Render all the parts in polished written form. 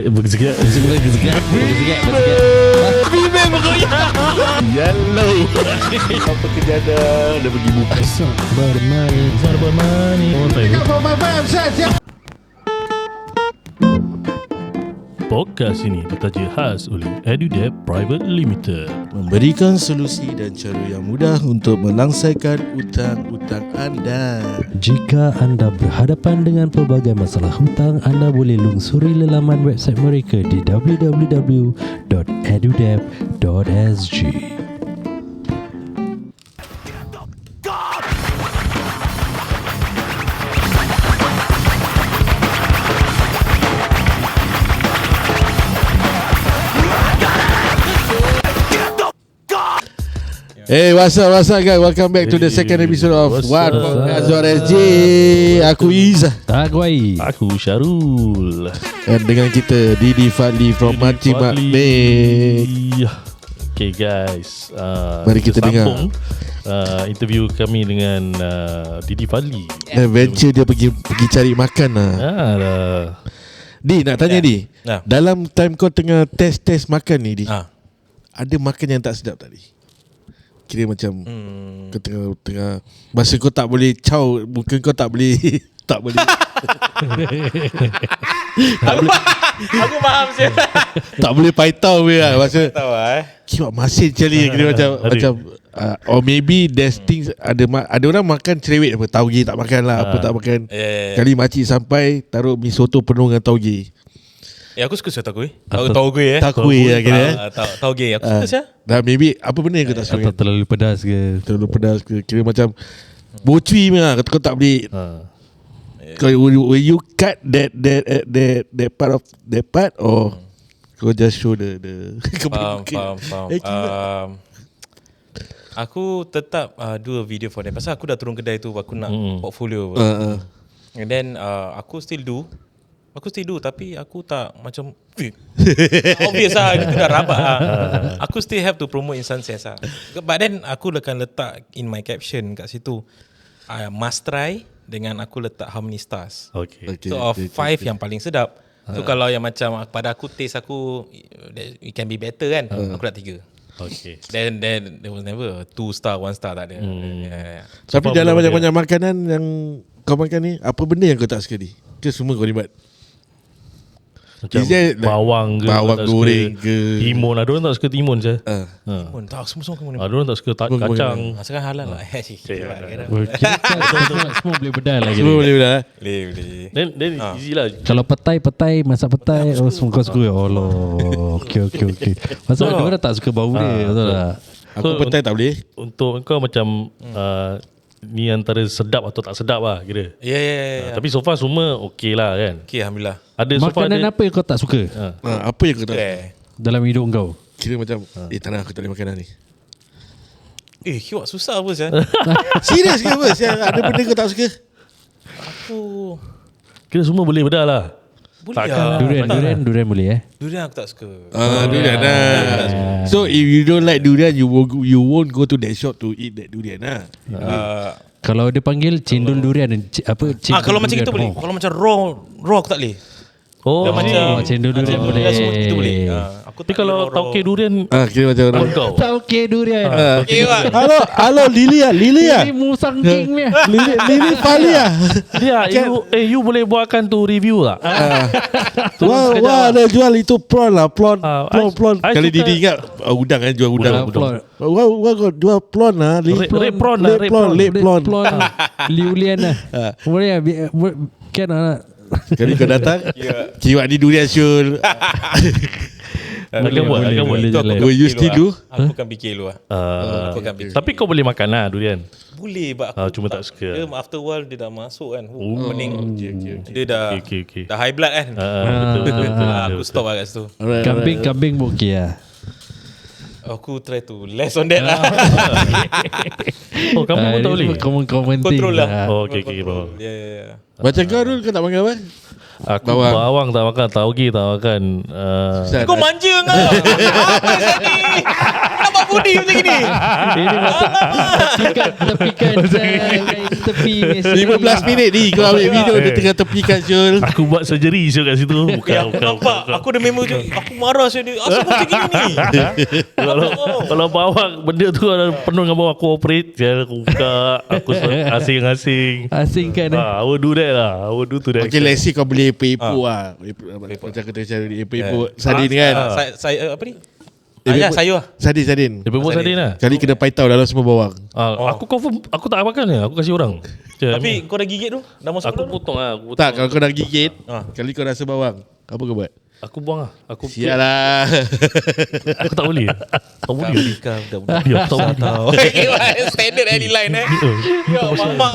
Bergerak. Bibir bergoyang. Yellow. Apa kerja dah pergi buka. Bermani. Oh, tahu. Podcast ini ditaja khas oleh EduDebt Private Limited, memberikan solusi dan cara yang mudah untuk melangsaikan hutang-hutang anda. Jika anda berhadapan dengan pelbagai masalah hutang, anda boleh lungsuri laman website mereka di www.edudebt.sg. Hey, what's up guys? Welcome back to the second episode of What Podcast SG. Aku Iz. Tagwai. aku Syarul. Dan dengan kita Didi Fadli from Mati Makmik. Okay guys, Mari kita dengar interview kami dengan Didi Fadli. Adventure dia pergi cari makan lah. Di, nak tanya Di, dalam time kau tengah test makan ni Di, ada makan yang tak sedap tak Di? Kira macam kau tengah masa kau tak boleh caw, muka kau tak boleh tak boleh. Aku faham sih. Tak boleh paitau lah masa Tahu kiwak masin cari kira macam or maybe there's things ada orang makan cerewet apa tauge tak makan lah apa tak makan. Kali makcik sampai taruh mi soto penuh dengan tauge. Aku suka tahu gue. Tahu lah kira. Tahu gue. Aku suka sih. Dah maybe apa benda yang kau tak suka? Atau terlalu pedas ke? Terlalu pedas ke? Kira macam bocui lah. Kau tak boleh. Will you cut that part or kau just show the Faham. Aku tetap do a video for them. Pasal aku dah turun kedai tu, aku nak portfolio. And then aku still do, tapi aku tak macam obvious lah, itu dah rabak lah. Aku still have to promote Insan Sense lah. But then aku akan letak in my caption kat situ, must try, dengan aku letak how many stars. So of 5 yang paling sedap. So kalau yang macam pada aku, taste aku it can be better kan, aku nak 3. Then there was never 2 star, 1 star, tak ada. Tapi dalam banyak-banyak makanan yang kau makan ni, apa benda yang kau tak suka ni? Ke semua kau nikmat? Macam bawang goreng ke timun. Ada orang tak suka timun je. Tak, semua kamu Ada orang tak suka kacang. sekarang halal lah. Semua boleh bedal lah. Semua boleh bedah. Boleh. Then easy lah. Kalau petai, masak petai, semua kau suka. Allah. Okay. Pasal ada orang tak suka bau dia, betul tak? Aku petai tak boleh. Untuk kau macam ni antara sedap atau tak sedap lah kira. Ya. Tapi so far semua okey lah kan. Okay, alhamdullah. Ada Makanan apa yang kau tak suka Apa yang kau tak suka? dalam hidup kau? Kira macam tak nak, aku tak boleh makanan ni. Kiwak susah apa sih? Serius ke apa? Ada benda kau tak suka? Aku kira semua boleh bedah lah. boleh lah. Durian boleh Durian aku tak suka. Durian lah. So if you don't like durian, you won't go to that shop to eat that durian lah. Kalau dia panggil cendol durian, apa? Kalau macam itu boleh. Kalau macam raw aku tak boleh. Oh, Oh, cendol durian boleh. Itu boleh. Aku tapi kalau tauke durian Kira macam orang. kau. Tauke durian. Halo Lily Ini musang king ni. Lily Fali lah. Dia you boleh buatkan tu review tak? Wah ada jual itu prawn lah. Prawn. I Kali suka- Didi ingat udang kan, jual udang. Prawn. Wah kau jual prawn lah. Red prawn. Liulian lah. Boleh kan lah. Kali kau datang, kiwak ni durian Syul. Akan buat. Will you still do? Aku akan fikir dulu lah. Aku akan fikir. Tapi kau boleh makan lah durian. Boleh, aku cuma tak suka. Dia after a while dia dah masuk kan. Pening. Dia dah Okay. dah high blood kan. Betul. Aku stop lah kat situ. Kambing okey lah. Aku try to less on that lah. Oh, kamu pun tak boleh. Komen Control lah. Oh, okay. Bawang. Ya. Macam kau Rul, kau tak makan apa? Aku bawang tak makan, tauge tak makan. Kau manja kau. Apa sih ni? Kenapa budi macam gini. Ini masuk tepikan tepi ni. 15 minit ni kau ambil video dia tengah tepikan Syul. Aku buat surgery Syul kat situ. Aku nampak. Aku dah memang aku marah Syul ni. Asal kau macam gini ni? Kalau bawa benda tu ada penuh dengan bawa aku operate, aku buka, aku asing-asing. Asingkan. I will do that lah. I will do to that. Okay, let's see kau boleh epok lah. Macam kata cara epok sardin kan. Saya apa ni? Sayur lah. Sardin. Dia pun sardin lah. Kali kena paitau dalam semua bawang. Aku confirm, aku tak makan ni. Aku kasih orang. Tapi kau dah gigit tu? Dah masuk aku tu? potong lah. Tak, kalau kau dah gigit, kali kau rasa bawang, apa kau buat? Aku buang lah. Sial lah. Aku tak boleh. Tak boleh. Nikah budak-budak. Dia aku tak boleh. Standard Eddie line Ya mak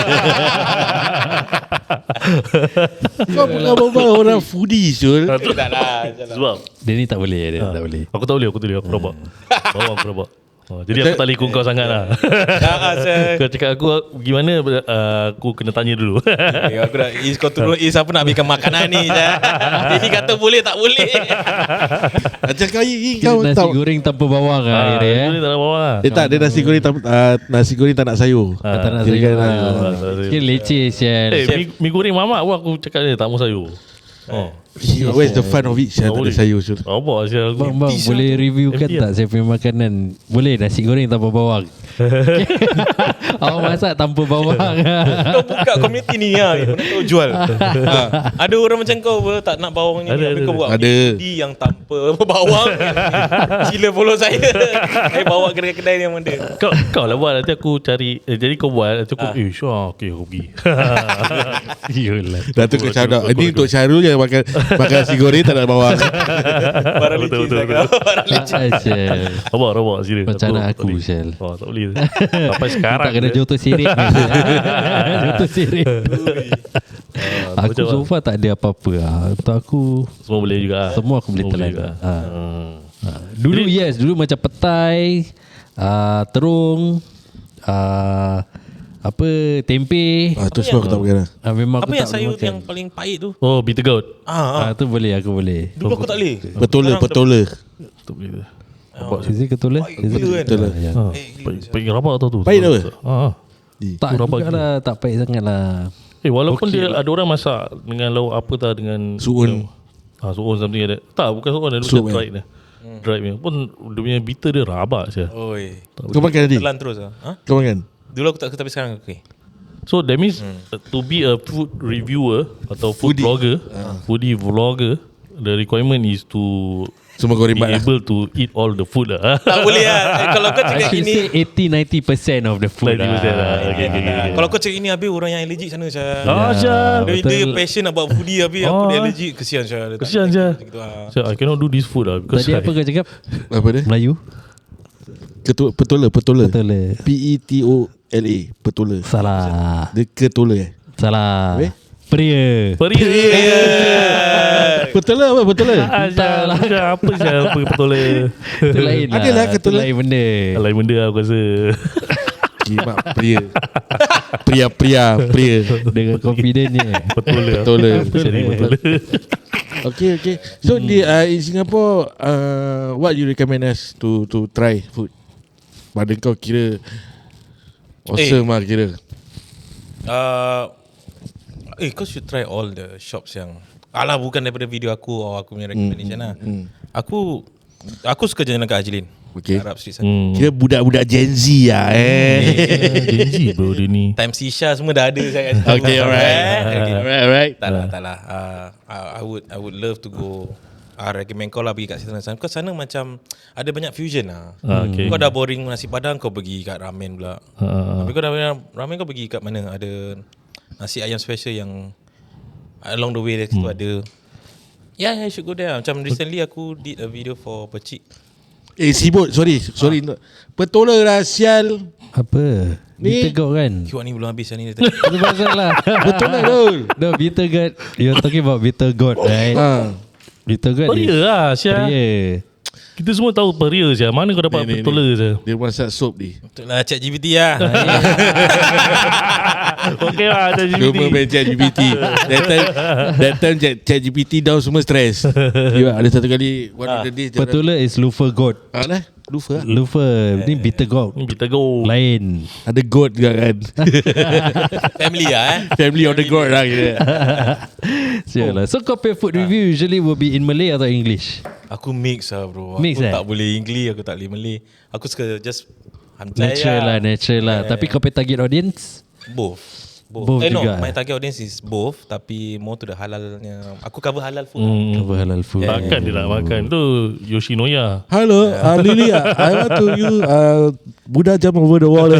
Kau bukan berbual orang foodie Syul. Tak lah. Sebab Dia ni tak boleh. Dia tak boleh. aku tak boleh. Aku rabak. Bawang aku rabak. Jadi aku tak boleh ikut kau sangat lah. Kau cakap aku gimana, aku kena tanya dulu. Aku dah kau turun siapa nak ambilkan makanan ni. Ini kata boleh tak boleh. Macam kau Nasi tahu. goreng tanpa bawang lah akhirnya. Dia tak ada bawang lah. Dia nasi goreng nasi goreng tak nak sayur. Tak nak Kira sayur. kan, Kira leceh sial. Mi goreng mamak pun aku cakap dia tak mau sayur. Where's the fun of it? Saya tak ada sayur Syul. Apa sial aku. Bang, boleh reviewkan Empty tak saya punya makanan? Boleh nasi goreng tanpa bawang. Awak masak tanpa bawang. Kau buka community ni lah. Kau jual. Ada orang macam kau tak nak bawang ni. Ada. Kau buat Ada. di yang tanpa bawang. Sila follow saya. Saya bawa kedai-kedai yang mana. Kau lah buat, nanti aku cari. Jadi kau buat, nanti aku sure, okay aku pergi. Yolah. Dah tu kau cakap. Ini untuk Syarul yang makan nasi goreng tak ada bawang. Barang licin saya kau. Barang licin. Rabak serius. Macam mana aku Syal? Tak boleh. Sampai sekarang. Tak kena joto sirik. Joto sirik. Aku macam so far tak ada apa-apa lah. Untuk aku Semua boleh juga. semua aku boleh telan. juga. Dulu dulu macam petai, terung, apa tempe. Tu semua aku tak makan lah. Memang Apa aku yang tak sayur makan. yang paling pahit tu? Oh, bitter gourd. Tu boleh, aku boleh. Dulu aku tak boleh. Petola. Tak boleh. Is it ketula? Is it Gila kan? Petola. Pahit rabak tau tu. Pahit apa? Tak rabak juga lah, tak pahit sangat lah. Walaupun dia ada orang masak dengan lauk apa tak, dengan Suun. suun something like that. Tak, bukan suun, dia Sup, macam dried dia. Dried punya. Pun dia punya bitter dia rabak saja. Oi. Kau makan tadi? Telan terus ah. Kau makan? Dulu aku tak, tapi sekarang okey. So that means to be a food reviewer atau food Foodie. blogger, foodie vlogger, the requirement is to Semua kau be rimbat lah. able to eat all the food lah. Tak boleh lah. Kalau kau I cakap should ini say 80-90% of the food 90% lah. Okay. kalau kau cakap ini habis orang yang allergic sana Syah. Syah. Dia passion about foodie habis aku dia allergic. Kesian Syah. Kesian Syah. Gitu ah. So I cannot do this food lah because Tadi apa kau cakap? Apa dia? Melayu? Petola. Betul. Petola. Petola. Salah. Dia ketola Salah. Habis? Peria. Petola apa? Petola. Entahlah. Apa Syah? Apa betul lah. Itu lain lah. Adalah Itu ketula. lain benda. Lain benda lah aku rasa. Kimak pria. Dengan confidentnya. Betul lah. Petola. Jadi betul. Okay. So in Singapore, what you recommend us to try food? Pada kau kira awesome lah kira. Kau should try all the shops yang bukan daripada video aku atau aku punya recommendation lah. Aku suka jalan kat Haji Lane. Okay. Arab Street sana. Kira budak-budak Gen Z lah Gen Z bro dia ni. Time Sisha semua dah ada saya kat situ. Okay, alright. Tak lah. I would love to go. Recommend kau lah pergi kat sana. Kau sana macam ada banyak fusion lah. Okay. Kau dah boring nasi padang, kau pergi kat ramen pula. Tapi kau dah ramen, kau pergi kat mana? Ada nasi ayam special yang along the way dari situ ada. Yeah, you should go there. Macam recently aku did a video for Pecik. Sibut, sorry. Petola lah sial. Apa? Ni- Bitter gourd kan? Kiwak ni belum habis ni. Itu pasal lah. Petola dul. No, bitter gourd. You're talking about bitter gourd, right? Bitter gourd Peria lah Syah. Peria. Kita semua tahu peria Syah. Mana kau dapat Ni. betul Syah? Dia masak sup ni. Betul lah, chat GPT lah. Okay lah ada Cuma main chat GPT. That time chat GPT down semua stress. Ada satu kali one of the days Petula is loofah goat. lah. Lufa. Ni bitter gourd. Kita go. Lain. Ada goat juga kan. Family lah Family of the goat lah kira. Sialah. So Kopi food review usually will be in Malay atau English? Aku mix lah bro. Mix, aku eh? tak boleh English, aku tak boleh Malay. Aku suka just Natural lah. Tapi Kopi target audience? Both Both juga, my target audience is both. Tapi more to the halalnya. Aku cover halal food Cover halal food. Takkan dia nak makan tu Yoshinoya. Hello, Lily. I want to you Buddha jump over the wall.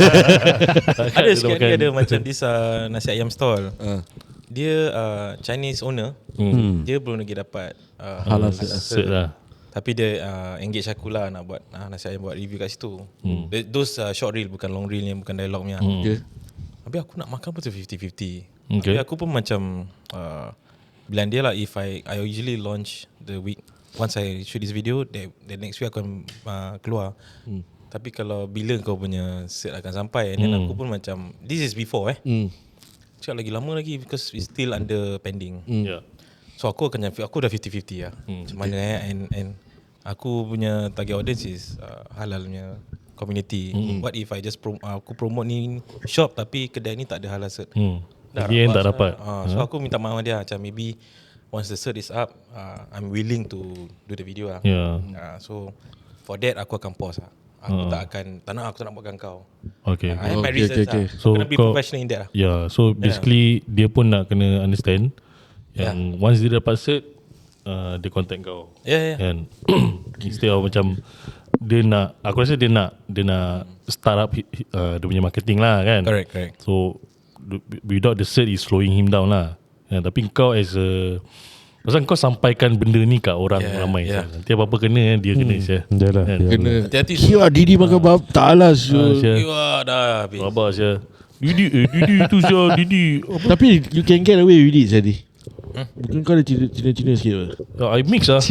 Ada sekali ada macam this nasi ayam stall. Dia Chinese owner. Dia belum lagi dapat Halal Cert lah. tapi dia engage aku lah nak buat nasi ayam buat review kat situ. Those short reel, bukan long reel yang bukan dialog punya. Okay. Tapi aku nak makan pun tu 50-50. Okay. Tapi aku pun macam bilang dia lah, if I usually launch the week once I shoot this video, the next week aku akan keluar. Tapi kalau bila kau punya set akan sampai, and then aku pun macam this is before cakap lagi lama lagi because it's still under pending. Yeah. So aku dah 50-50 lah. Macam mana and aku punya target audience is halal punya community. What if I just aku promote ni shop tapi kedai ni tak ada halal cert. Dia yang tak dapat. So aku minta maaf dia macam maybe once the cert is up, I'm willing to do the video lah. So for that aku akan pause lah. Aku tak nak buatkan kau. Okay. I have my reasons lah. So kena be professional in that lah. Yeah, so basically dia pun nak kena understand yang once dia dapat cert, dia contact kau. And instead of macam dia nak, aku rasa dia nak start up dia punya marketing lah kan. Correct. So without the cert is slowing him down lah. Tapi kau as a, pasal kau sampaikan benda ni kat orang ramai. Nanti apa-apa kena dia kena saya. Yalah. Kena. Hati-hati. Kira Didi makan bab tak alas. Kiwa dah habis. Rabak saya. Didi tu saya Didi. Tapi you can get away with it tadi. Bukan kau ada Cina-Cina sikit apa? I mix lah.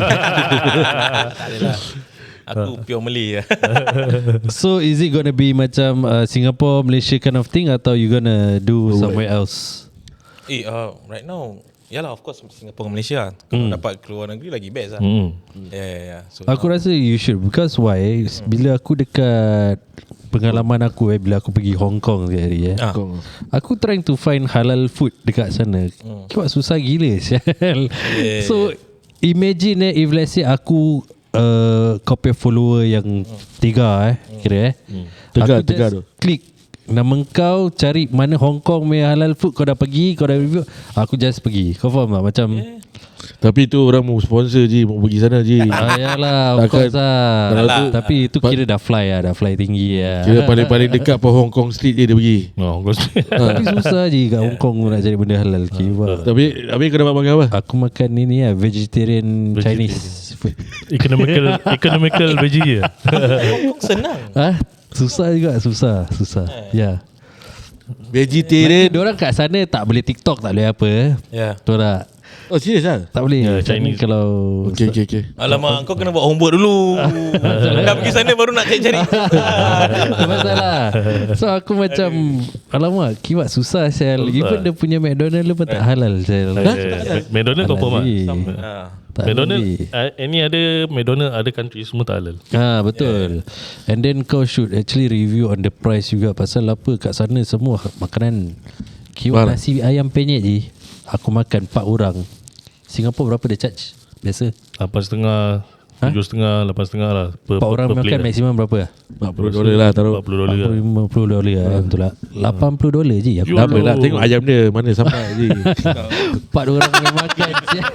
Tak adalah. Aku pure Malay lah. So is it gonna be macam Singapore, Malaysia kind of thing, atau you gonna do somewhere else? Right now, yalah of course Singapore dan Malaysia. Kalau dapat keluar negeri lagi best lah. So Aku rasa you should. Because why? Bila aku dekat pengalaman aku bila aku pergi Hong Kong sekali hari aku trying to find halal food dekat sana. Kira susah gila sial. So imagine if let's say aku copy follower yang 3 kira Tegar aku just klik nama kau, cari mana Hong Kong punya halal food, kau dah pergi, kau dah review, aku just pergi. Kau faham tak? Macam tapi tu orang mau sponsor je, mau pergi sana je. Yalah, of course lah. Tapi itu kira dah fly tinggi lah. Kira paling dekat pun Hong Kong Street je dia pergi. Tapi susah je kat Hong Kong nak cari benda halal. Tapi kau dapat makan apa? Aku makan ini lah, vegetarian Chinese food. Economical veggie je. senang. Susah juga, susah. Ya. Vegetarian. Diorang kat sana tak boleh TikTok, tak boleh apa. Betul tak? Oh serius lah? Tak boleh. Chinese kalau Okay. Alamak, kau kena buat homework dulu. Dah pergi sana baru nak cari. masalah. So aku macam alamak, kiwak susah sel. Even dia punya McDonald pun tak halal sel. McDonald confirm lah. McDonald any ada McDonald ada country semua tak halal. Betul. And then kau should actually review on the price juga. Pasal apa kat sana semua makanan kiwak nasi ayam penyet je aku makan 4 orang. Singapore berapa dia charge biasa? 8.5, 7.5, 8.5 lah. 4 orang makan maksimum berapa? $40 lah taruh. $40 $50 lah. Betul tak? $80 je aku. Tak apa lah, tengok ayam dia mana sampai je. 4 orang yang makan.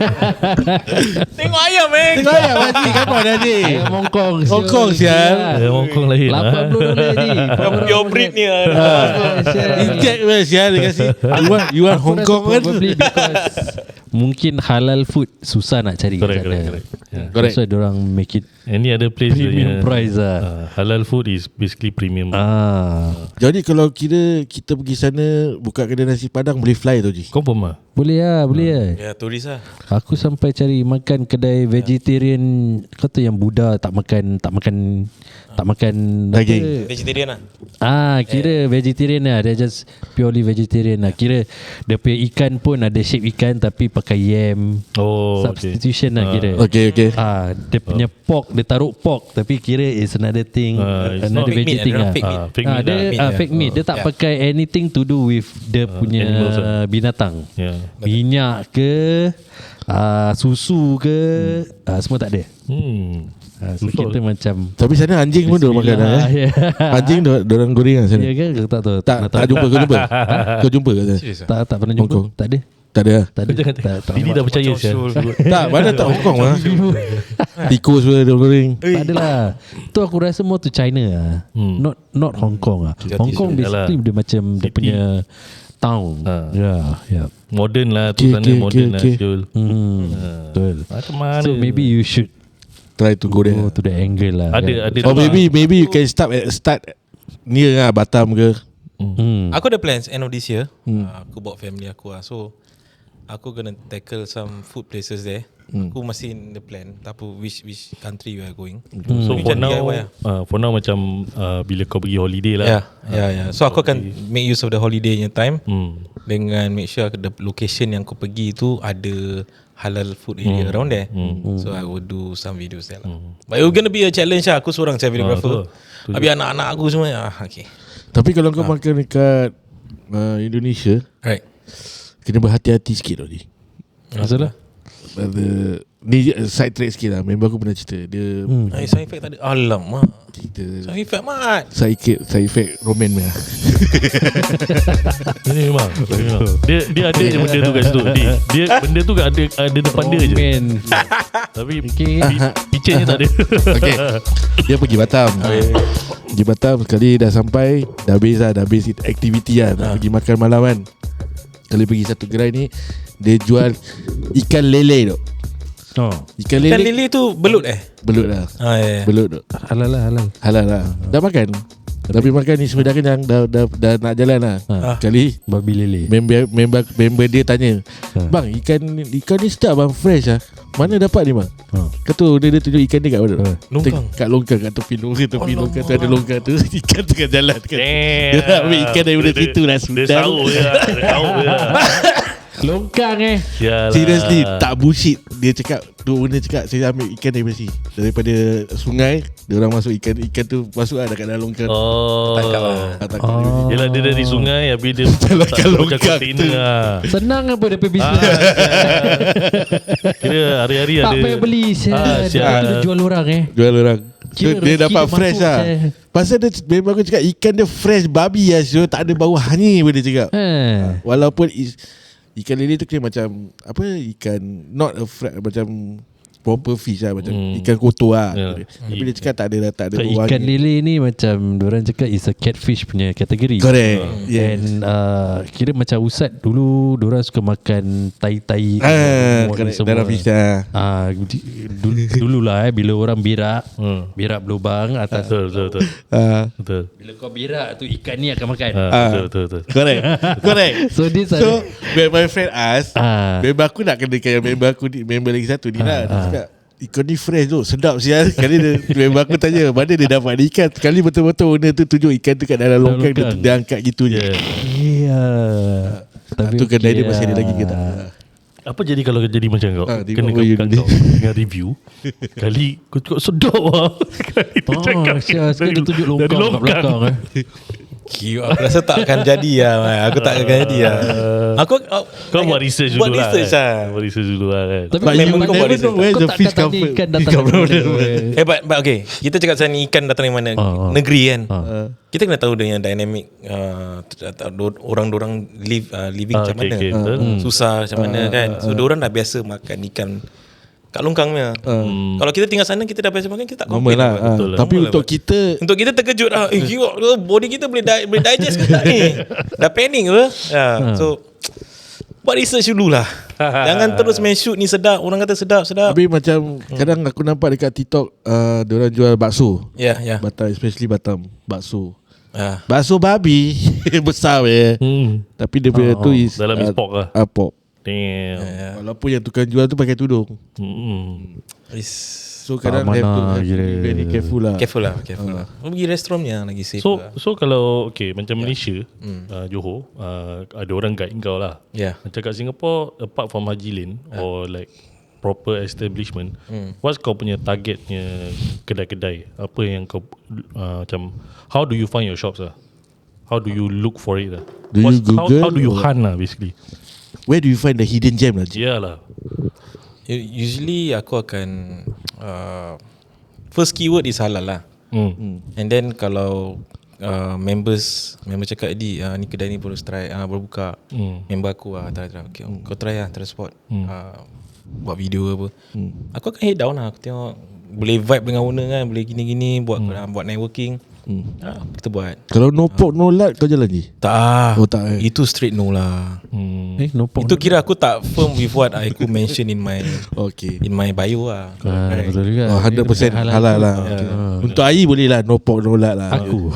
Tengok ayam Tengok ayam Haji, kapan Haji? Ayam Hong Kong. Hong Kong sial. Hong Kong lain $80 je. pure breed ni lah. Inject sial dia kasi. You want Hong Kong kan? Probably because mungkin halal food susah nak cari kat sana. Correct. So diorang make it any other place premium price lah. halal food is basically premium. Jadi kalau kita pergi sana buka kedai nasi padang boleh fly tu je. Confirm lah. Boleh lah. Ya, turis lah. Aku sampai cari makan kedai vegetarian, kata yang Buddha tak makan Tak makan daging. Vegetarian lah. Kira vegetarian lah. Dia just purely vegetarian lah. Kira dia punya ikan pun ada shape ikan tapi pakai yam. Substitution lah kira. Okay. Dia punya pork, dia taruh pork tapi kira is another thing, another vegetarian lah. Fake meat. Dia tak pakai anything to do with dia punya binatang. Minyak ke, susu ke, semua tak ada. So kita macam, tapi sana anjing pun diorang makan lah. Anjing diorang goreng lah sana. Ya ke? Tak tahu. Tak jumpa. Kau jumpa kat sana? Tak pernah jumpa. Tak ada. Tak ada. Ini dah percaya Tak, mana tak Hong Kong lah. Tikus pun diorang goreng. Tak adalah. Tu aku rasa more to China lah. Not Hong Kong lah. Hong Kong basically dia macam dia punya town. Modern lah tu sana, modern lah Syul. Betul. Macam mana? So maybe you should try to go there. to the angle lah. Ada Or maybe you can start near lah Batam ke. Aku ada plans end of this year. Aku bawa family aku lah. So aku gonna tackle some food places there. Aku masih in the plan. Tak apa which country we are going. So for now macam bila kau pergi holiday lah. Yeah. So aku akan make use of the holiday punya time dengan make sure the location yang aku pergi tu ada halal food area around there. So I will do some videos there lah. But it will gonna be a challenge lah. Aku seorang saya videographer. Habis anak-anak aku semua okay. Tapi kalau kau makan dekat Indonesia, Right. kena berhati-hati sikit tau ni. Masalah? Ni side track sikit lah. Member aku pernah cerita dia Side effect tak ada. Alamak. cerita Side effect mat. side effect roman ni lah. Ini memang Dia ada je benda tu kat situ. Dia benda tu ada depan dia je. Tapi picture tak ada. Okay, dia pergi Batam. Pergi Batam sekali dah sampai, dah habis aktiviti lah, nak pergi makan malam kan. Kali pergi satu gerai ni, dia jual ikan lele tu. Ikan lele tu belut Belut lah. Belut tu halal lah. Dah makan. Tapi makan ni semua dah kenyang, dah nak jalan lah. Kali babi lele. Member dia tanya, bang, ikan ni sedap bang, fresh lah. Mana dapat ni bang? Kata dia tunjuk ikan dia kat mana? Longkang. Kat longkang, kat tepi longkang tu ada longkang tu. Ikan tengah jalan kan. Dia nak ambil ikan daripada situ lah. Dia tahu je. Longkang Seriously, tak bullshit. Dia cakap, dua benda cakap, saya ambil ikan daripada sini, daripada sungai. Dia orang masuk ikan tu masuk lah dekat dalam longkang. Tangkap lah. Yelah, dia dari sungai, habis dia Jalankan longkang tu lah. Senang apa dia punya bisnes. Kira hari-hari tak ada. payah beli. Dia jual orang Jual orang. So, Kira dia dapat rezeki fresh dia lah. Pasal dia memang aku cakap, ikan dia fresh babi lah. So, tak ada bau hanyir pun dia cakap. Walaupun ikan lele tu kira macam apa, ikan not a macam proper fish lah, macam ikan kotor lah. Tapi dia cakap tak ada ikan lele ni macam diorang cakap is a catfish punya kategori. Correct. And kira macam Usat dulu diorang suka makan tai-tai dalam fish lah. Dululah bila orang berak berlubang atas. Betul. Bila kau berak tu ikan ni akan makan. Betul. Correct. So when my friend ask, member aku nak kena kayak member lagi satu ni lah. Dia cakap, ikan ni fresh tu, sedap sial. Sekali member aku tanya, mana dia dapat ikan. Sekali betul-betul owner tu tunjuk ikan tu kat dalam longkang. Dia angkat gitu je. Tapi tu kedai dia masih ada lagi ke tak? Apa jadi kalau jadi macam kau? Kena kau dengan review. Kali kau cakap sedap lah. Kali tu cakap sekali dia tunjuk longkang kat belakang. Aku rasa tak akan jadi lah. Aku tak akan jadi lah. Kau buat research dulu lah. Buat research dulu lah kan. Tapi memang kau buat research. Kau tak akan tanya ikan datang dari mana. But okay, kita cakap pasal ikan datang dari mana, negeri kan. Kita kena tahu dengan dynamic orang-orang living macam mana. Susah macam mana kan. So diorang dah biasa makan ikan kat longkangnya. Kalau kita tinggal sana, kita dah biasa makan, kita tak complain lah. Tapi untuk kita terkejut lah. Body kita boleh digest ke tak ni? Dah panic ke? So buat research dulu lah. Jangan terus main shoot ni sedap, orang kata sedap. Tapi macam kadang aku nampak dekat TikTok, diorang jual bakso. Batam, especially Batam, bakso. Bakso babi besar Tapi dia punya tu is dalam is pork lah. Pork. Damn. Walaupun yang tukang jual tu pakai tudung. So kadang have to be very careful lah. Careful lah. Pergi restorannya lagi safe lah. So kalau macam Malaysia, Johor, ada orang guide kau lah. Macam kat Singapore, apart from Haji Lane or like proper establishment, what's kau punya targetnya kedai-kedai? Apa yang kau macam, how do you find your shops lah? How do you look for it lah? Do you Google how do you hunt lah basically? Where do you find the hidden gem lah? Lah. Usually aku akan first keyword is halal lah. And then kalau member cakap ni kedai ni baru buka, member aku try okay, kau try lah, try spot, buat video apa. Aku akan head down lah. Aku tengok boleh vibe dengan owner kan, boleh gini-gini, buat networking. Kita buat. Kalau no pork no lard kau jalan lagi? Tak. Oh tak. Itu straight no lah. No pork, itu kira aku tak firm with what aku mention in my in my bio lah. Betul juga. 100% halal lah. Untuk Ai boleh lah no pork no lard lah. Aku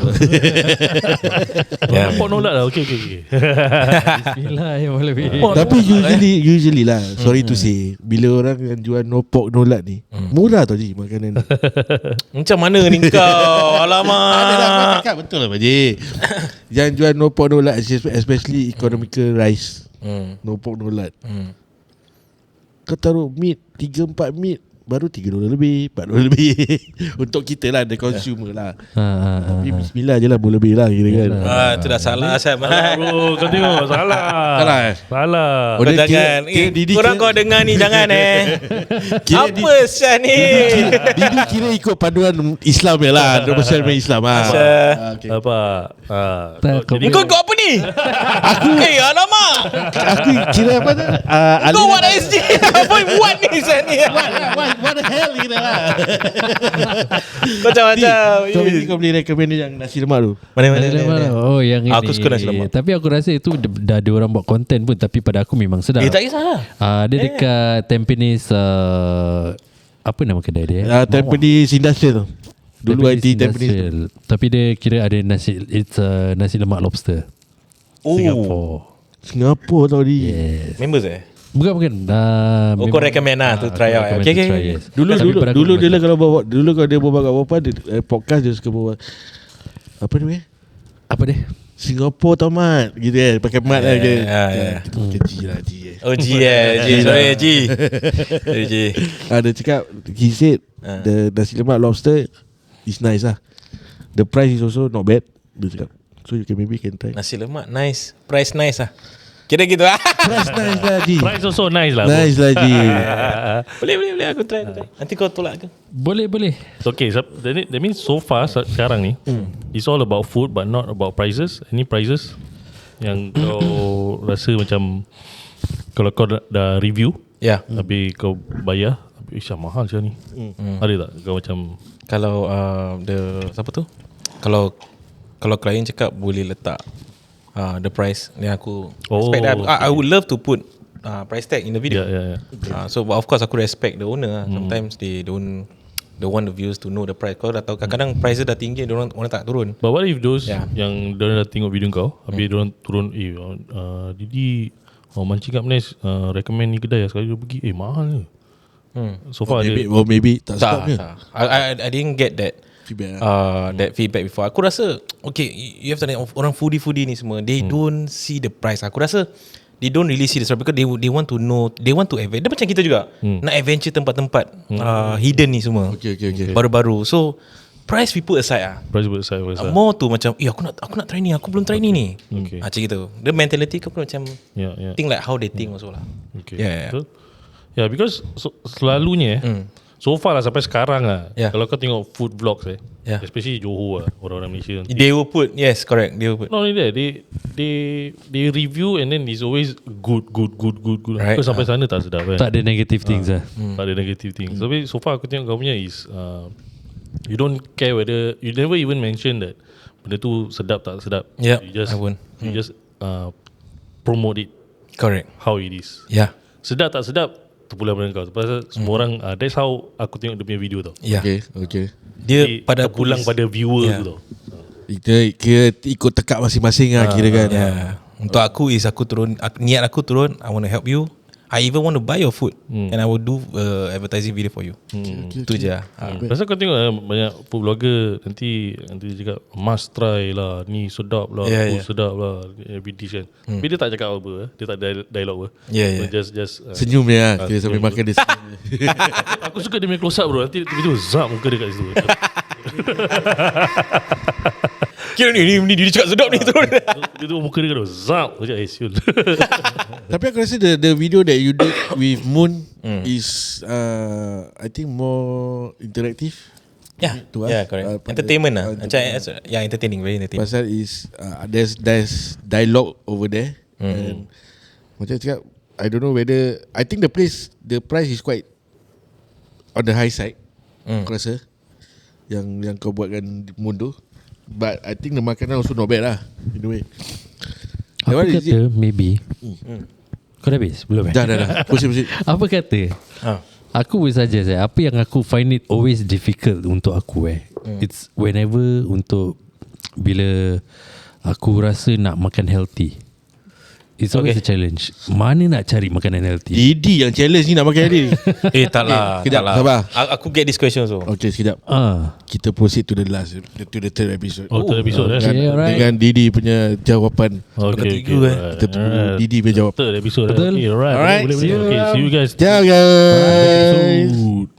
No pork no lard lah. Okay. Bismillah ya boleh. Tapi usually lah, sorry to say, bila orang yang jual no pork no lard ni murah tau je makanan ni. Macam mana ni kau? Alamak. Ada lah, kau cakap betul lah Pakcik. Yang jual no pork no lard, especially economical rice, no pork no lard, kau taruh meat 3-4 meat baru $3 lebih, $4 lebih. Untuk kita lah, the consumer lah. Tapi bismillah je lah, boleh lebih lah kira kan. Itu dah salah Syam. Bro, kau tengok salah. Salah. Kau jangan. Korang kau dengar ni jangan apa Syam ni? Didi kira ikut panduan Islam je lah, Rasul Islam lah. Apa? Kau apa ni? Aku alamak. Aku kira apa tu? Kau what SG? Apa buat ni Syam ni? What the hell kira lah. Kau macam-macam. So kau boleh recommend yang nasi lemak tu? Mana? Oh yang ini. Aku suka nasi lemak. Tapi aku rasa itu dah ada orang buat konten pun, tapi pada aku memang sedap. Tak kisahlah. Dia dekat Tampines, apa nama kedai dia? Tampines Industrial tu. Dulu IT Tampines. Tapi dia kira ada nasi, it's nasi lemak lobster. Singapore tau di. Yes. Members Bukan. Kau recommend lah to try out. Okay. Dulu dia kalau dia bawa kat bapa dia podcast dia suka bawa apa ni? Apa dia? Singapore tau mat gitu pakai mat lah ke. G lah G. Oh G sorry G. Dia cakap he said the nasi lemak lobster is nice lah. The price is also not bad. Dia cakap so you can try. Nasi lemak nice, price nice lah. Kira gitu lah. Price nice lah Ji. Price also nice lah. Nice lah Ji. Boleh aku try. Nanti kau tolak ke? Boleh. Okay, that means so far sekarang ni it's all about food but not about prices. Any prices yang kau rasa macam kalau kau dah review tapi kau bayar mahal macam ni, ada tak kau macam kalau siapa tu, kalau klien cakap boleh letak the price, then aku respect that. I would love to put price tag in the video. So but of course aku respect the owner. Sometimes they don't want the viewers to know the price. Kau dah tahu kadang-kadang price dia dah tinggi, orang tak turun. But what if those yang diorang dah tengok video kau habis diorang turun Didi mancing kat Malaysia recommend ni kedai sekali dia pergi mahal ni. So far maybe tak stop ke? I didn't get that feedback. That feedback before. Aku rasa okay, you have to know, orang foodie ni semua they don't see the price. Aku rasa they don't really see the price because they want to know, they want to adventure. Dia macam kita juga nak adventure tempat-tempat hidden ni semua. Okay. Baru-baru. So price we put aside more tu macam aku nak try ni, aku belum try ni. Macam gitu. The mentality kau pun macam think like how they think also lah. Because selalunya so far lah sampai sekarang lah kalau kau tengok food vlogs especially Johor orang-orang Malaysia they will put correct, they will put not only that they review and then it's always good right. Kau sampai sana tak sedap tak ada negative things tak ada negative things. Tapi so far aku tengok kau punya is you don't care whether you never even mention that benda tu sedap tak sedap. You just promote it correct how it is. Sedap tak sedap terpulang pada kau. Pasal semua orang that's how aku tengok dia punya video tau. Okay. Dia pada terpulang pada viewer tu tau. Kira ikut tekak masing-masing lah kira kan. Untuk aku is aku turun, niat aku turun, I want to help you. I even want to buy your food and I will do advertising video for you. Itu je. Pasal kau tengok banyak food blogger nanti cakap must try lah, ni sedap lah, sedap lah, every dish kan. Tapi dia tak cakap apa, dia tak ada dialog apa. Just senyum dia dia sambil makan dia. Aku suka dia punya close up bro. Nanti tiba-tiba zap muka dia kat situ. Kira ni dia cakap sedap ni terus. Dia tu muka dia kan zap macam siul. Tapi aku rasa the video that you did with Moon is I think more interactive. Correct. Entertainment lah. Macam entertaining, very entertaining. Pasal is there's dialogue over there. And macam cakap, I don't know whether, I think the price is quite on the high side. Aku rasa yang kau buatkan Moon tu. But I think the makanan also not bad lah, in a way. Apa kata maybe kau dah habis? Belum Dah Pusing. Apa kata aku boleh saja apa yang aku find it always difficult untuk aku it's whenever untuk bila aku rasa nak makan healthy, it's always a challenge. Mana nak cari makanan healthy? Didi yang challenge ni nak makan hari ni. Tak lah. Sekejap, sabar. Aku get this question also. Okay, sekejap. Kita proceed to the third episode. Third episode dengan Didi punya jawapan. Okay. Kita tunggu Didi punya jawapan. Third episode. Betul. Okay, alright. Alright. See you guys. Ciao guys. Episode.